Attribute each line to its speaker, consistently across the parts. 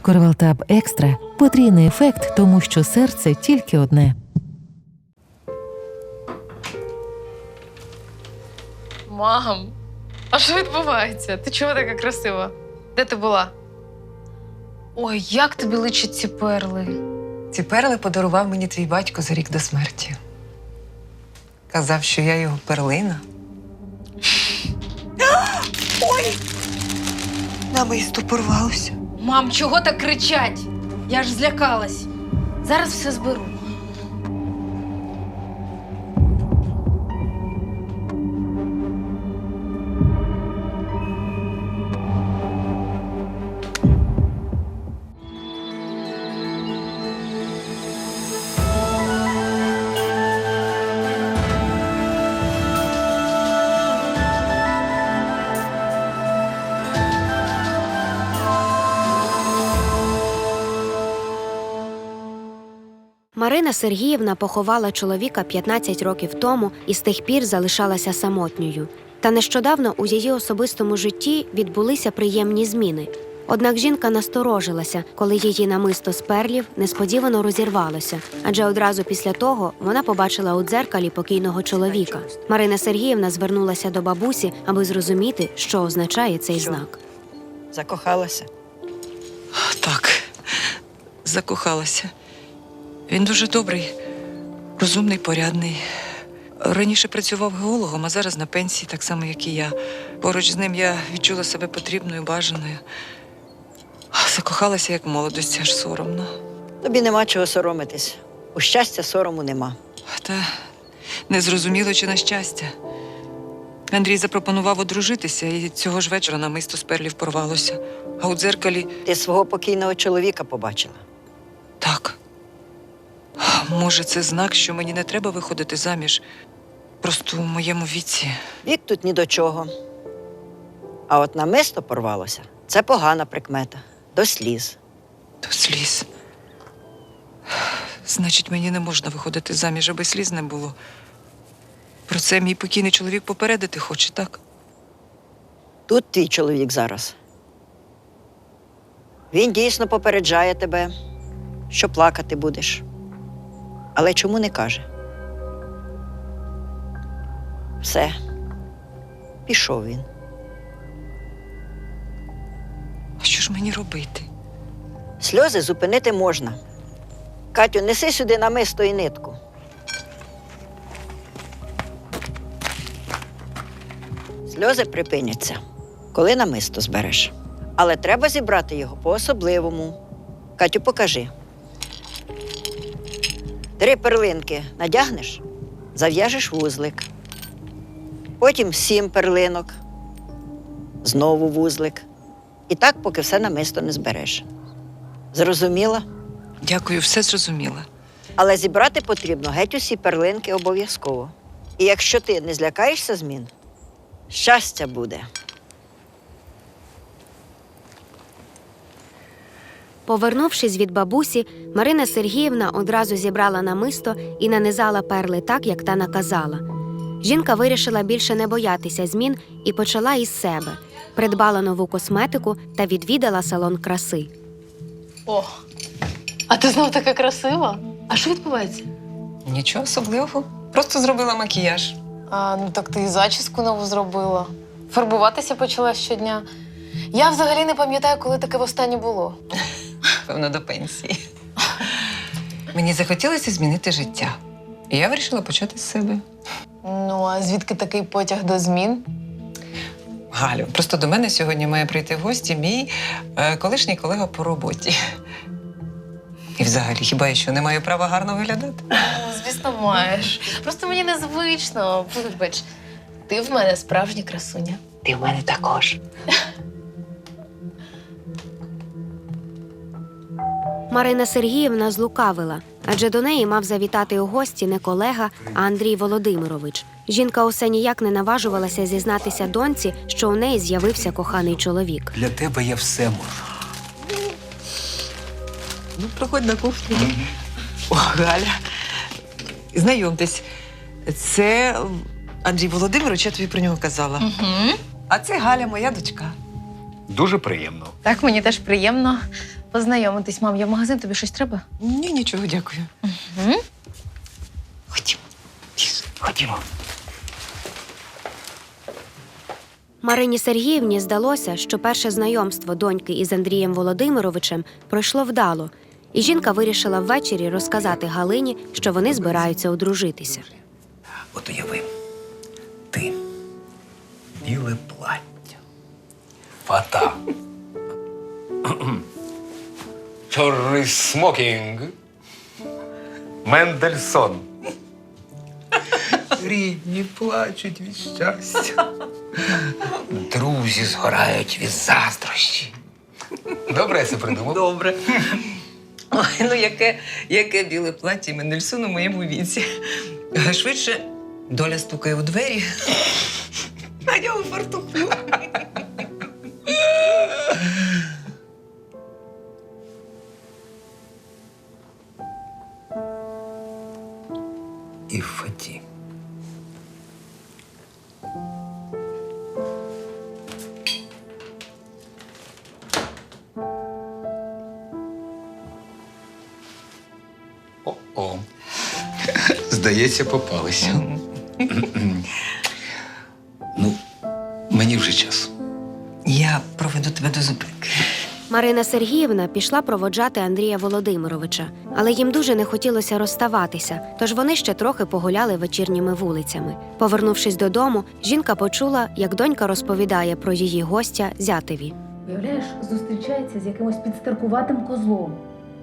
Speaker 1: Корвалтаб Екстра – потрійний ефект, тому що серце тільки одне.
Speaker 2: Мам, а що відбувається? Ти чого така красива? Де ти була? Ой, як тобі личать ці перли?
Speaker 3: Ці перли подарував мені твій батько за рік до смерті. Казав, що я його перлина. Ой! Намисто порвалося.
Speaker 2: Мам, чого так кричать? Я ж злякалась. Зараз все зберу.
Speaker 4: Марина Сергіївна поховала чоловіка 15 років тому і з тих пір залишалася самотньою. Та нещодавно у її особистому житті відбулися приємні зміни. Однак жінка насторожилася, коли її намисто з перлів несподівано розірвалося, адже одразу після того вона побачила у дзеркалі покійного чоловіка. Марина Сергіївна звернулася до бабусі, аби зрозуміти, що означає цей знак.
Speaker 5: Закохалася?
Speaker 3: Так, закохалася. Він дуже добрий, розумний, порядний. Раніше працював геологом, а зараз на пенсії, так само, як і я. Поруч з ним я відчула себе потрібною, бажаною. Закохалася, як в молодості, аж соромно.
Speaker 5: Тобі нема чого соромитись. У щастя сорому нема.
Speaker 3: Та не зрозуміло, чи на щастя. Андрій запропонував одружитися, і цього ж вечора намисто з перлів порвалося. А у дзеркалі…
Speaker 5: Ти свого покійного чоловіка побачила.
Speaker 3: Так. Може, це знак, що мені не треба виходити заміж? Просто у моєму віці.
Speaker 5: Вік тут ні до чого. А от намисто порвалося – це погана прикмета. До сліз.
Speaker 3: До сліз. Значить, мені не можна виходити заміж, аби сліз не було. Про це мій покійний чоловік попередити хоче, так?
Speaker 5: Тут твій чоловік зараз. Він дійсно попереджає тебе, що плакати будеш. Але чому не каже? Все. Пішов він.
Speaker 3: А що ж мені робити?
Speaker 5: Сльози зупинити можна. Катю, неси сюди намисто і нитку. Сльози припиняться, коли намисто збереш. Але треба зібрати його по-особливому. Катю, покажи. 3 перлинки надягнеш, зав'яжеш вузлик. Потім 7 перлинок, знову вузлик. І так, поки все намисто не збереш. Зрозуміла?
Speaker 3: Дякую, все зрозуміла.
Speaker 5: Але зібрати потрібно геть усі перлинки обов'язково. І якщо ти не злякаєшся змін, щастя буде.
Speaker 4: Повернувшись від бабусі, Марина Сергіївна одразу зібрала намисто і нанизала перли так, як та наказала. Жінка вирішила більше не боятися змін і почала із себе. Придбала нову косметику та відвідала салон краси.
Speaker 2: О, а ти знов така красива? А що відбувається?
Speaker 3: Нічого особливого. Просто зробила макіяж.
Speaker 2: А, ну так ти і зачіску нову зробила. Фарбуватися почала щодня. Я взагалі не пам'ятаю, коли таке востаннє було.
Speaker 3: Певно, до пенсії. Мені захотілося змінити життя. І я вирішила почати з себе.
Speaker 2: Ну, а звідки такий потяг до змін?
Speaker 3: Галю, просто до мене сьогодні має прийти в гості мій колишній колега по роботі. І взагалі, хіба я що не маю права гарно виглядати?
Speaker 2: Ну, звісно, маєш. Просто мені незвично. Вибач, ти в мене справжня красуня.
Speaker 3: Ти в мене також.
Speaker 4: Марина Сергіївна злукавила, адже до неї мав завітати у гості не колега, а Андрій Володимирович. Жінка усе ніяк не наважувалася зізнатися доньці, що у неї з'явився коханий чоловік.
Speaker 6: Для тебе я все можу.
Speaker 3: Ну, проходь на кухню. О, Галя, знайомтесь, це Андрій Володимирович, я тобі про нього казала.
Speaker 2: Угу.
Speaker 3: А це Галя, моя дочка.
Speaker 6: Дуже приємно.
Speaker 2: Так, мені теж приємно. познайомитись, мам. Я в магазин, тобі щось треба?
Speaker 3: Ні, нічого, дякую.
Speaker 2: Угу.
Speaker 3: Ходімо. Ходімо.
Speaker 4: Марині Сергіївні здалося, що перше знайомство доньки із Андрієм Володимировичем пройшло вдало, і жінка вирішила ввечері розказати Галині, що вони збираються одружитися.
Speaker 6: От уяви, ти, біле плаття, фата, чорний смокінг, Мендельсон. Рідні плачуть від щастя. Друзі згорають від заздрощі. Добре я це придумав?
Speaker 3: Добре. Ой, ну яке біле плаття Мендельсона у моєму віці. Швидше доля стукає у двері, а я у фартуху.
Speaker 6: І в фаті. О-о. Здається, попалися. Ну, мені вже час.
Speaker 3: Я проведу тебе до зупинки.
Speaker 4: Марина Сергіївна пішла проводжати Андрія Володимировича, але їм дуже не хотілося розставатися, тож вони ще трохи погуляли вечірніми вулицями. Повернувшись додому, жінка почула, як донька розповідає про її гостя зятеві.
Speaker 7: Уявляєш, зустрічається з якимось підстаркуватим козлом.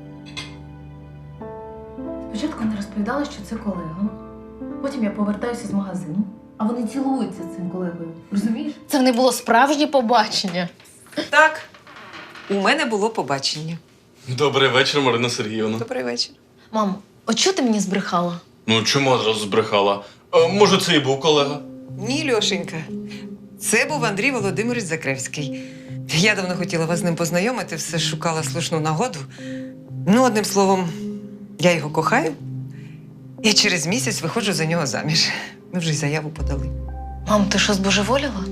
Speaker 7: Спочатку не розповідала, що це колега. Потім я повертаюся з магазину, а вони цілуються з цим колегою. Розумієш?
Speaker 2: Це в них було справжнє побачення.
Speaker 3: Так, у мене було побачення.
Speaker 8: Добрий вечір, Марина Сергіївна.
Speaker 3: Добрий вечір.
Speaker 2: Мам, от чого ти мені збрехала?
Speaker 8: Ну, чому одразу збрехала? А, може, це і був колега?
Speaker 3: Ні, Льошенька. Це був Андрій Володимирович Закревський. Я давно хотіла вас з ним познайомити, все шукала слушну нагоду. Ну, одним словом, я його кохаю. І через місяць виходжу за нього заміж. Ми вже й заяву подали.
Speaker 2: Мам, ти що, збожеволіла?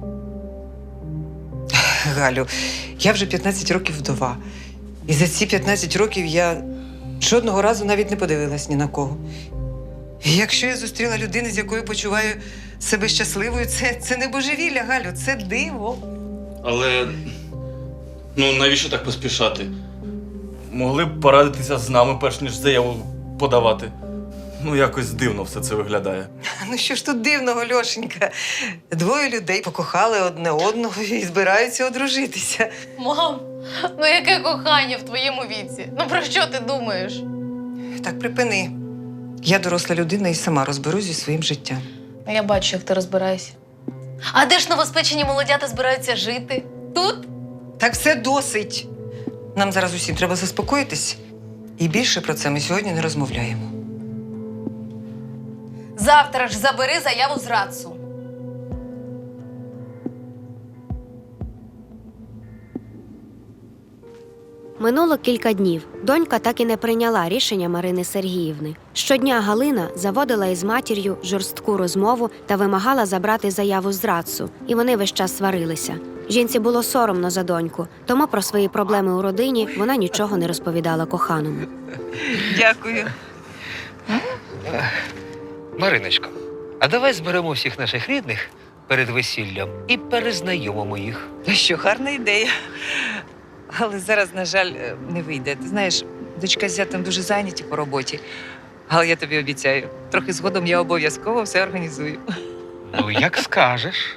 Speaker 3: Галю, я вже 15 років вдова. І за ці 15 років я жодного разу навіть не подивилась ні на кого. І якщо я зустріла людину, з якою почуваю себе щасливою, це не божевілля, Галю, це диво.
Speaker 8: Але ну навіщо так поспішати? Могли б порадитися з нами, перш ніж заяву подавати. Ну, якось дивно все це виглядає.
Speaker 3: Ну що ж тут дивного, Льошенька? Двоє людей покохали одне одного і збираються одружитися.
Speaker 2: Мам, ну яке кохання в твоєму віці? Ну про що ти думаєш?
Speaker 3: Так, припини. Я доросла людина і сама розберусь зі своїм життям.
Speaker 2: Ну, я бачу, як ти розбираєшся. А де ж новоспечені молодята збираються жити? Тут?
Speaker 3: Так все досить. Нам зараз усім треба заспокоїтись. І більше про це ми сьогодні не розмовляємо.
Speaker 2: Завтра ж забери заяву з РАЦУ.
Speaker 4: Минуло кілька днів. Донька так і не прийняла рішення Марини Сергіївни. Щодня Галина заводила із матір'ю жорстку розмову та вимагала забрати заяву з РАЦУ, і вони весь час сварилися. Жінці було соромно за доньку, тому про свої проблеми у родині вона нічого не розповідала коханому.
Speaker 3: Дякую.
Speaker 6: Мариночко, а давай зберемо всіх наших рідних перед весіллям і перезнайомимо їх.
Speaker 3: Що гарна ідея. Але зараз, на жаль, не вийде. Ти знаєш, дочка з зятем дуже зайняті по роботі. Але я тобі обіцяю, трохи згодом я обов'язково все організую.
Speaker 6: Ну, як скажеш.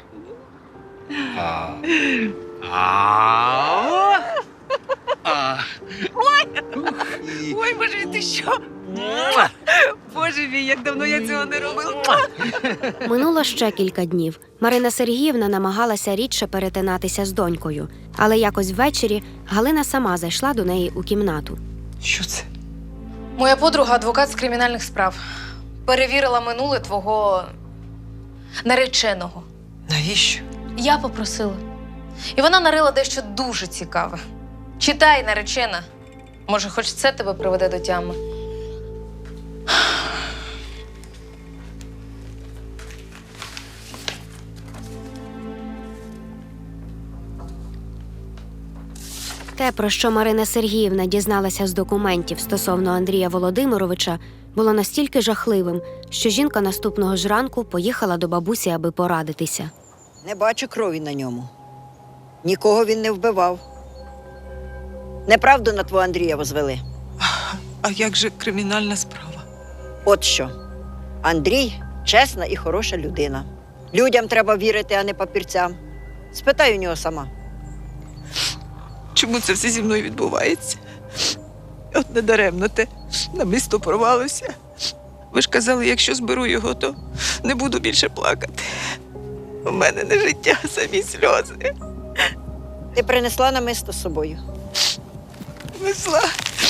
Speaker 3: Ой, боже, ти що? Боже мій, як давно я цього не робила.
Speaker 4: Минуло ще кілька днів. Марина Сергіївна намагалася рідше перетинатися з донькою. Але якось ввечері Галина сама зайшла до неї у кімнату.
Speaker 3: Що це?
Speaker 2: Моя подруга адвокат з кримінальних справ. Перевірила минуле твого нареченого.
Speaker 3: Навіщо?
Speaker 2: Я попросила. І вона нарила дещо дуже цікаве. Читай, наречена. Може, хоч це тебе приведе до тями.
Speaker 4: те, про що Марина Сергіївна дізналася з документів стосовно Андрія Володимировича, було настільки жахливим, що жінка наступного ж ранку поїхала до бабусі, аби порадитися.
Speaker 5: Не бачу крові на ньому. Нікого він не вбивав. Неправду на твого Андрія возвели.
Speaker 3: А як же кримінальна справа?
Speaker 5: От що. Андрій чесна і хороша людина. Людям треба вірити, а не папірцям. Спитай у нього сама.
Speaker 3: Чому це все зі мною відбувається? От недаремно те намисто порвалося. Ви ж казали, якщо зберу його, то не буду більше плакати. У мене не життя, а самі сльози.
Speaker 5: Ти принесла намисто з собою.
Speaker 3: Несла.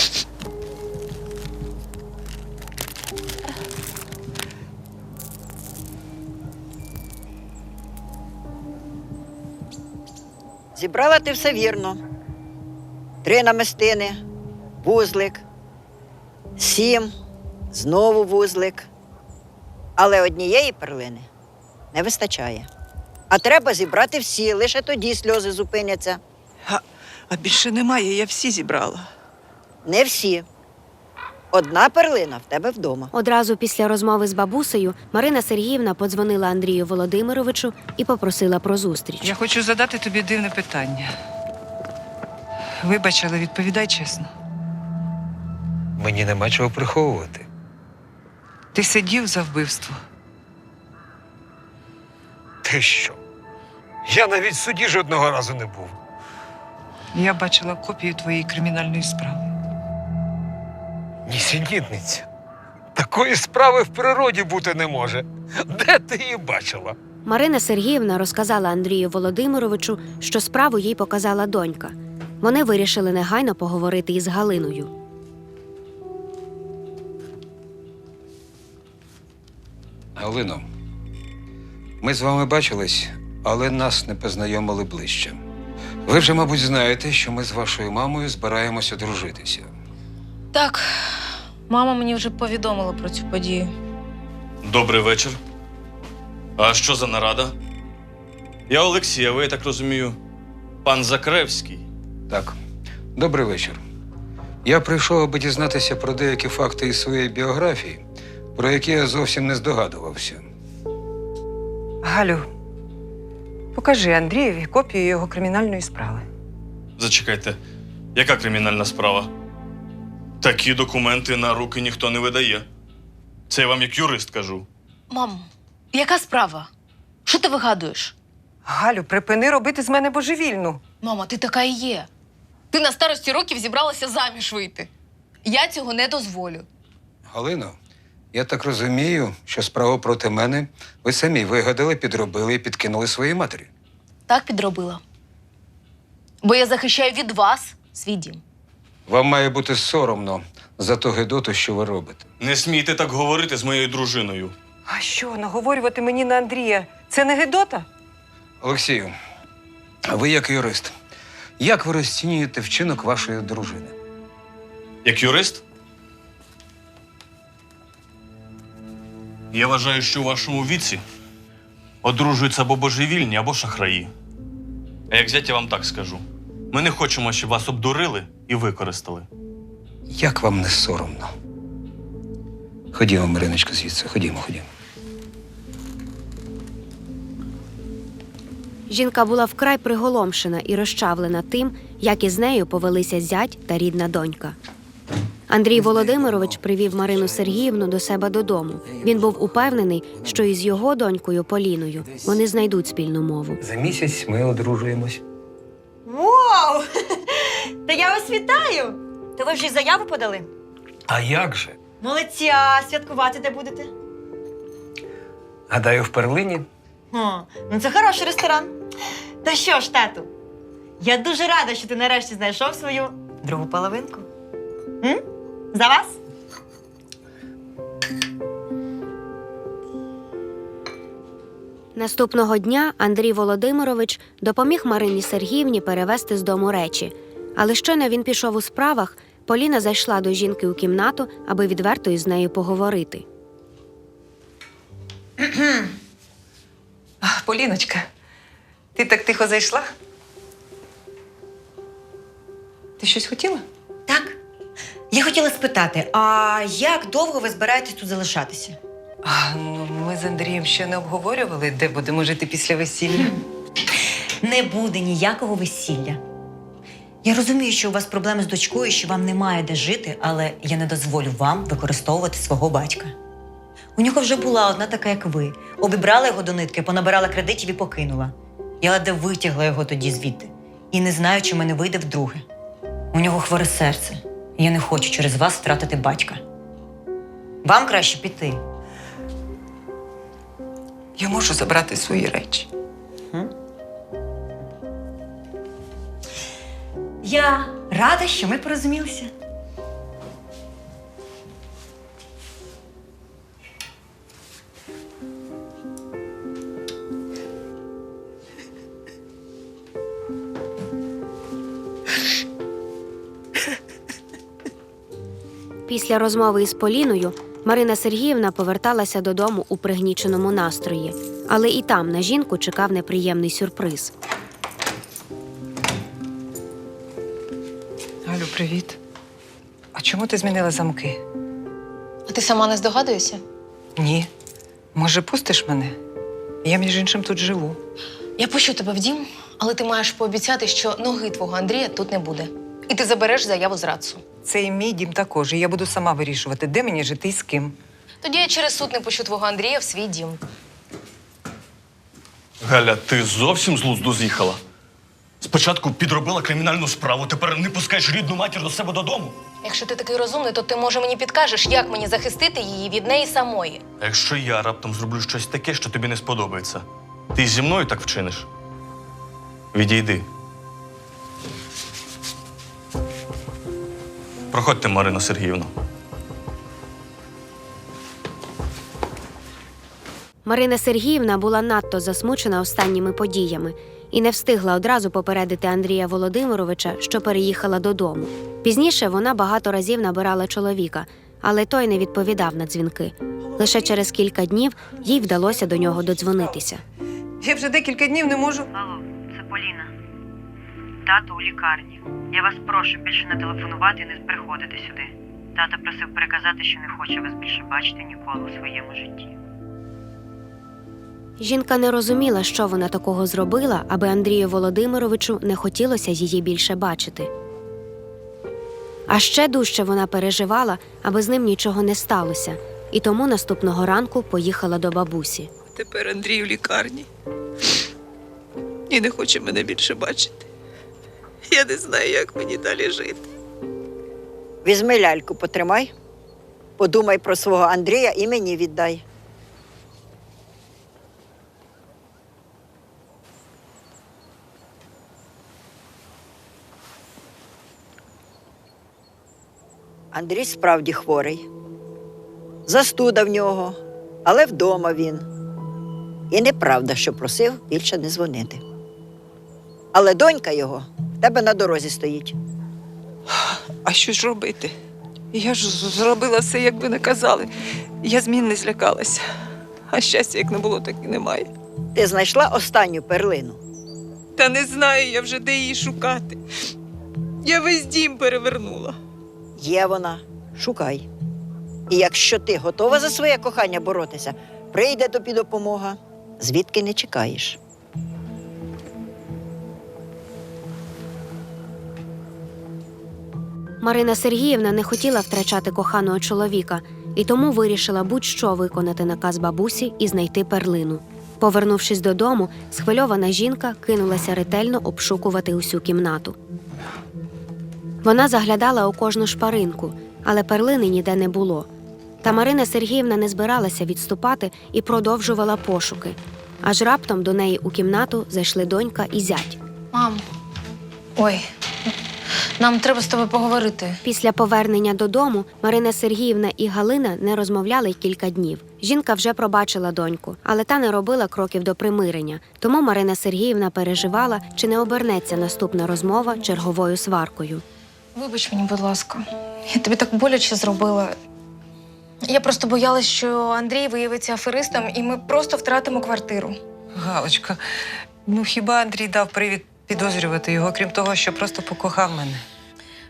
Speaker 5: Зібрала ти все вірно. 3 намистини, вузлик, 7, знову вузлик. Але однієї перлини не вистачає. А треба зібрати всі, лише тоді сльози зупиняться.
Speaker 3: А більше немає, я всі зібрала.
Speaker 5: Не всі. 1 перлина в тебе вдома.
Speaker 4: Одразу після розмови з бабусею Марина Сергіївна подзвонила Андрію Володимировичу і попросила про зустріч.
Speaker 3: Я хочу задати тобі дивне питання. Вибач, але відповідай чесно.
Speaker 6: Мені нема чого приховувати.
Speaker 3: Ти сидів за вбивство?
Speaker 6: Ти що? Я навіть в суді жодного разу не був.
Speaker 3: Я бачила копію твоєї кримінальної справи.
Speaker 6: Нісенітниця. Такої справи в природі бути не може. Де ти її бачила?
Speaker 4: Марина Сергіївна розказала Андрію Володимировичу, що справу їй показала донька. Вони вирішили негайно поговорити із Галиною.
Speaker 9: Галино, ми з вами бачились, але нас не познайомили ближче. Ви вже, мабуть, знаєте, що ми з вашою мамою збираємося дружитися.
Speaker 2: Так, мама мені вже повідомила про цю подію.
Speaker 8: Добрий вечір. А що за нарада? Я Олексій, а ви, я так розумію, пан Закревський.
Speaker 9: Так, добрий вечір. Я прийшов, аби дізнатися про деякі факти із своєї біографії, про які я зовсім не здогадувався.
Speaker 3: Галю, покажи Андрієві копію його кримінальної справи.
Speaker 8: Зачекайте, яка кримінальна справа? Такі документи на руки ніхто не видає. Це я вам як юрист кажу.
Speaker 2: Мам, яка справа? Що ти вигадуєш?
Speaker 3: Галю, припини робити з мене божевільну.
Speaker 2: Мама, ти така і є. Ти на старості років зібралася заміж вийти. Я цього не дозволю.
Speaker 9: Галино, я так розумію, що справу проти мене ви самі вигадали, підробили і підкинули своїй матері.
Speaker 2: Так підробила. Бо я захищаю від вас свій дім.
Speaker 9: Вам має бути соромно за ту гидоту, що ви робите.
Speaker 8: Не смійте так говорити з моєю дружиною.
Speaker 3: А що, наговорювати мені на Андрія – це не гидота?
Speaker 9: Олексію, а ви як юрист, як ви розцінюєте вчинок вашої дружини?
Speaker 8: Як юрист? Я вважаю, що у вашому віці одружуються або божевільні, або шахраї. А як зять, я вам так скажу. Ми не хочемо, щоб вас обдурили і використали.
Speaker 9: Як вам не соромно? Ходімо, Мариночко, звідси. Ходімо.
Speaker 4: Жінка була вкрай приголомшена і розчавлена тим, як із нею повелися зять та рідна донька. Андрій Володимирович привів Марину Сергіївну до себе додому. Він був упевнений, що із його донькою Поліною вони знайдуть спільну мову.
Speaker 6: За місяць ми одружуємось.
Speaker 10: Вау! Та я вас вітаю! То ви вже й заяву подали?
Speaker 6: А як же?
Speaker 10: Молодці, а святкувати де будете?
Speaker 6: Гадаю, в перлині.
Speaker 10: О, ну це хороший ресторан. Та що ж, тату, я дуже рада, що ти нарешті знайшов свою другу половинку. За вас?
Speaker 4: Наступного дня Андрій Володимирович допоміг Марині Сергіївні перевезти з дому речі. Але щойно він пішов у справах, Поліна зайшла до жінки у кімнату, аби відверто із нею поговорити.
Speaker 3: Поліночка, ти так тихо зайшла? Ти щось хотіла?
Speaker 10: Так. Я хотіла спитати, а як довго ви збираєтесь тут залишатися?
Speaker 3: Ну, ми з Андрієм ще не обговорювали, де будемо жити після весілля.
Speaker 10: Не буде ніякого весілля. Я розумію, що у вас проблеми з дочкою, що вам немає де жити, але я не дозволю вам використовувати свого батька. У нього вже була одна така, як ви. Обібрала його до нитки, понабирала кредитів і покинула. Я ледве витягла його тоді звідти. І не знаю, чи мене вийде вдруге. У нього хворе серце. І я не хочу через вас втратити батька. Вам краще піти.
Speaker 3: Я можу забрати свої речі.
Speaker 10: Я рада, що ми порозумілися.
Speaker 4: Після розмови із Поліною Марина Сергіївна поверталася додому у пригніченому настрої, але і там на жінку чекав неприємний сюрприз.
Speaker 3: Галю, привіт. А чому ти змінила замки?
Speaker 2: А ти сама не здогадуєшся?
Speaker 3: Ні. Може, пустиш мене? Я, між іншим, тут живу.
Speaker 2: Я пущу тебе в дім, але ти маєш пообіцяти, що ноги твого Андрія тут не буде. І ти забереш заяву з Рацу.
Speaker 3: Це і мій дім також, і я буду сама вирішувати, де мені жити і з ким.
Speaker 2: Тоді я через суд не пущу твого Андрія в свій дім.
Speaker 8: Галя, ти зовсім з глузду з'їхала? Спочатку підробила кримінальну справу, тепер не пускаєш рідну матір до себе додому.
Speaker 2: Якщо ти такий розумний, то ти, може, мені підкажеш, як мені захистити її від неї самої.
Speaker 8: А якщо я раптом зроблю щось таке, що тобі не сподобається, ти зі мною так вчиниш? Відійди. Проходьте, Марина Сергіївна.
Speaker 4: Марина Сергіївна була надто засмучена останніми подіями і не встигла одразу попередити Андрія Володимировича, що переїхала додому. Пізніше вона багато разів набирала чоловіка, але той не відповідав на дзвінки. Лише через кілька днів їй вдалося до нього додзвонитися.
Speaker 3: Я вже декілька днів не можу.
Speaker 11: Алло, це Поліна. Тато у лікарні. Я вас прошу більше не телефонувати і не приходити сюди. Тато просив переказати, що не хоче вас більше бачити ніколи у своєму житті.
Speaker 4: Жінка не розуміла, що вона такого зробила, аби Андрію Володимировичу не хотілося її більше бачити. А ще дужче вона переживала, аби з ним нічого не сталося, і тому наступного ранку поїхала до бабусі.
Speaker 3: Тепер Андрій у лікарні. І не хоче мене більше бачити. Я не знаю, як мені далі жити.
Speaker 5: Візьми ляльку, потримай. Подумай про свого Андрія і мені віддай. Андрій справді хворий. Застуда в нього, але вдома він. І неправда, що просив більше не дзвонити. Але донька його в тебе на дорозі стоїть.
Speaker 3: А що ж робити? Я ж зробила все, як ви наказали. Я змін не злякалася. А щастя, як не було, так і немає.
Speaker 5: Ти знайшла останню перлину.
Speaker 3: Та не знаю я вже, де її шукати. Я весь дім перевернула.
Speaker 5: Є вона, шукай. І якщо ти готова за своє кохання боротися, прийде тобі допомога, звідки не чекаєш.
Speaker 4: Марина Сергіївна не хотіла втрачати коханого чоловіка і тому вирішила будь-що виконати наказ бабусі і знайти перлину. Повернувшись додому, схвильована жінка кинулася ретельно обшукувати усю кімнату. Вона заглядала у кожну шпаринку, але перлини ніде не було. Та Марина Сергіївна не збиралася відступати і продовжувала пошуки. Аж раптом до неї у кімнату зайшли донька і зять.
Speaker 2: Мам, ой, нам треба з тобою поговорити.
Speaker 4: Після повернення додому Марина Сергіївна і Галина не розмовляли кілька днів. Жінка вже пробачила доньку, але та не робила кроків до примирення. Тому Марина Сергіївна переживала, чи не обернеться наступна розмова черговою сваркою.
Speaker 2: Вибач мені, будь ласка. Я тобі так боляче зробила. Я просто боялась, що Андрій виявиться аферистом, і ми просто втратимо квартиру.
Speaker 3: Галочка, ну хіба Андрій дав привід підозрювати його, крім того, що просто покохав мене?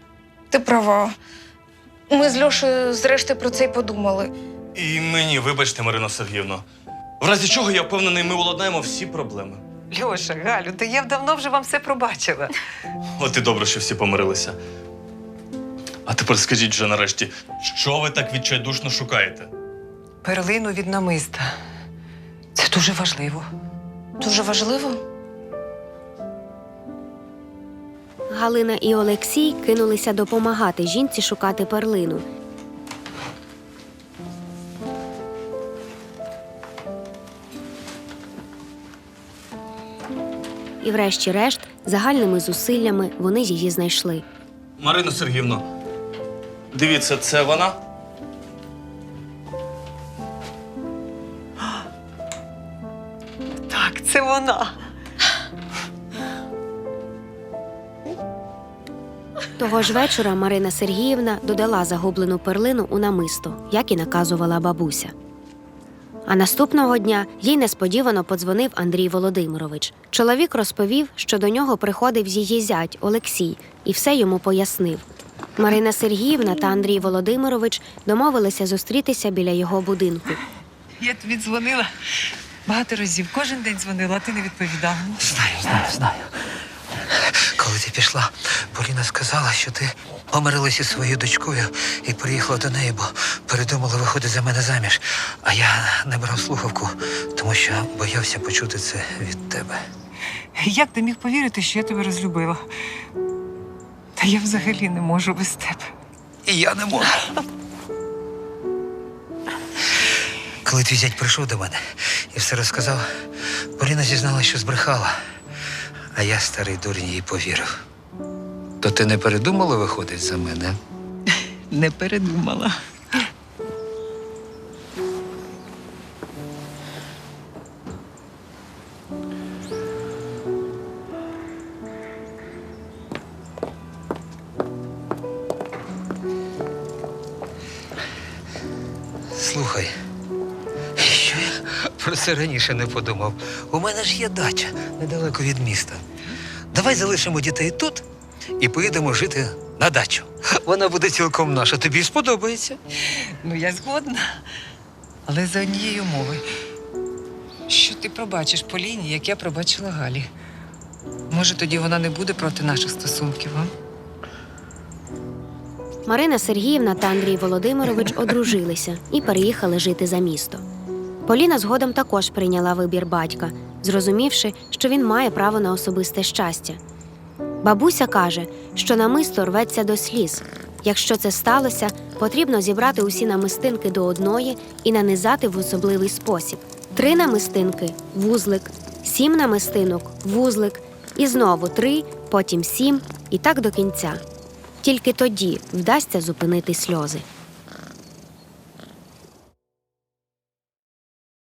Speaker 2: Ти права. Ми з Льошею зрештою про це й подумали.
Speaker 8: І мені, вибачте, Марино Сергіївно. В разі чого, я впевнений, ми уладнаємо всі проблеми.
Speaker 3: Льоша, Галю, та я давно вже вам все пробачила.
Speaker 8: От і добре, що всі помирилися. А тепер скажіть вже нарешті, що ви так відчайдушно шукаєте?
Speaker 3: Перлину від намиста. Це дуже важливо.
Speaker 2: Дуже важливо.
Speaker 4: Галина і Олексій кинулися допомагати жінці шукати перлину. І врешті-решт, загальними зусиллями вони її знайшли.
Speaker 8: Марино Сергіївно, дивіться, це вона?
Speaker 3: Так, це вона.
Speaker 4: Того ж вечора Марина Сергіївна додала загублену перлину у намисто, як і наказувала бабуся. А наступного дня їй несподівано подзвонив Андрій Володимирович. Чоловік розповів, що до нього приходив її зять Олексій і все йому пояснив. Марина Сергіївна та Андрій Володимирович домовилися зустрітися біля його будинку.
Speaker 3: Я тобі дзвонила багато разів. Кожен день дзвонила, а ти не відповідав.
Speaker 6: Знаю. Коли ти пішла, Поліна сказала, що ти помирилася зі своєю дочкою і приїхала до неї, бо передумала виходити за мене заміж. А я не брав слухавку, тому що боявся почути це від тебе.
Speaker 3: Як ти міг повірити, що я тебе розлюбила? Та я взагалі не можу без тебе.
Speaker 6: І я не можу. Коли твій зять прийшов до мене і все розказав, Поліна зізналася, що збрехала. А я, старий дурень, їй повірив. То ти не передумала виходити за мене?
Speaker 3: Не передумала.
Speaker 6: Слухай, що я про це раніше не подумав? У мене ж є дача недалеко від міста. Давай залишимо дітей тут і поїдемо жити на дачу. Вона буде цілком наша. Тобі сподобається.
Speaker 3: Ну, я згодна. Але за однієї умови. Що ти пробачиш Поліні, як я пробачила Галі? Може, тоді вона не буде проти наших стосунків, а?
Speaker 4: Марина Сергіївна та Андрій Володимирович одружилися і переїхали жити за місто. Поліна згодом також прийняла вибір батька, зрозумівши, що він має право на особисте щастя. Бабуся каже, що намисто рветься до сліз. Якщо це сталося, потрібно зібрати усі намистинки до одної і нанизати в особливий спосіб. 3 намистинки – вузлик, 7 намистинок – вузлик, і знову 3, потім 7 і так до кінця. Тільки тоді вдасться зупинити сльози.